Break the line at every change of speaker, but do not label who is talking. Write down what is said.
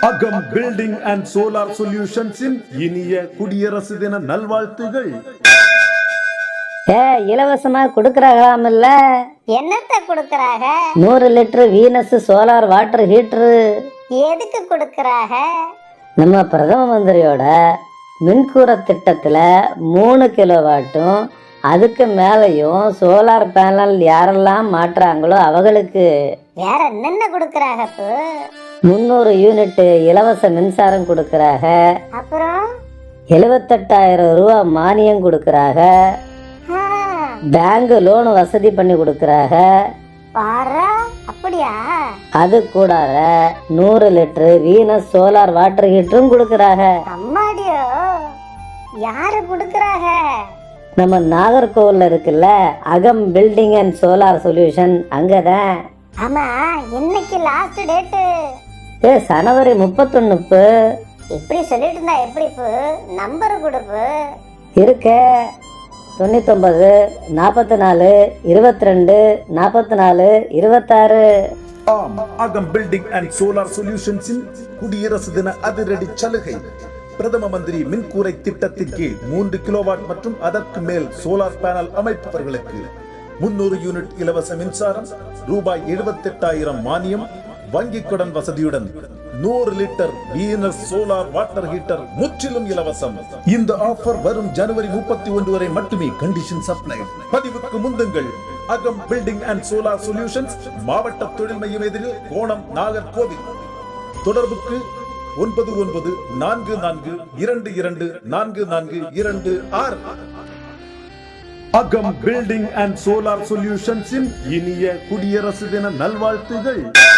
அகம் building and solar சொல்யூஷன்ஸின் இனிய குடியரசு தின நல்வாழ்த்துகள்.
இலவசமா குடுக்கறாங்களாம் இல்ல?
என்னத்த குடுக்கறாங்க?
100 litre Venus solar water heater.
எதுக்கு குடுக்கறாங்க?
நம்ம பிரதம மந்திரியோட மின்கூரை திட்டத்துல 3 கிலோவாட்டும் அதுக்கு மேலையும் சோலார் பேனல் யாரெல்லாம் மாட்டுறாங்களோ அவங்களுக்கு
வேற என்னென்ன குடுக்கறாங்க?
300 யூனிட் இலவச மின்சாரம் கொடுக்கறாங்க.
அப்புறம்
78,000 ரூபாய் மானியம் கொடுக்கறாங்க. பேங்க் லோன் வசதி பண்ணி கொடுக்கறாங்க.
பாரா, அப்படியா?
அது கூட 100 லிட்டர் வீனஸ் சோலார் வாட்டர் ஹீட்டரும் கொடுக்கறாங்க.
அம்மாடியோ, யாரு குடுக்கறாங்க?
நம்ம நாகர்கோவில்ல இருக்குல்ல அகம் பில்டிங் அண்ட் சோலார் சொல்யூஷன், அங்கதான்.
ஆமா, இன்னைக்கு லாஸ்ட் டேட்.
ஜனவரி 31.
இப்படி சொல்லிட்டு இருந்தா எப்படி? நம்பர் கொடுப்பு
இருக்க 99 44 22 44 26.
ஆம், அகம் பில்டிங் அண்ட் சோலார் சொல்யூஷன்ஸின் குடியரசு தின அதிரடி சலுகை. பிரதம மந்திரி மின்கூரை திட்டத்தின் கீழ் 3 கிலோவாட் மற்றும் அதற்கு மேல் சோலார் பேனல் அமைப்பவர்களுக்கு 300 யூனிட் இலவச மின்சாரம், ரூபாய் 78,000 மானியம், வங்கிக் கடன் வசதியுடன் 100 litre Venus solar water heater முற்றிலும் இலவசம். இந்த ஆஃபர் வரும் ஜனவரி 31 வரை மட்டுமே. Conditions apply. பதிவுக்கு முந்துங்கள். அகம் பில்டிங் அண்ட் சோலார் சொல்யூஷன்ஸ், மாவட்ட தொழில் மையம் எதிரில், கோணம், நாகர்கோவில். தொடர்புக்கு 9944224426. அகம் பில்டிங் அண்ட் சோலார் சொல்யூஷன்ஸின் இனிய குடியரசு தின நல்வாழ்த்துகள்.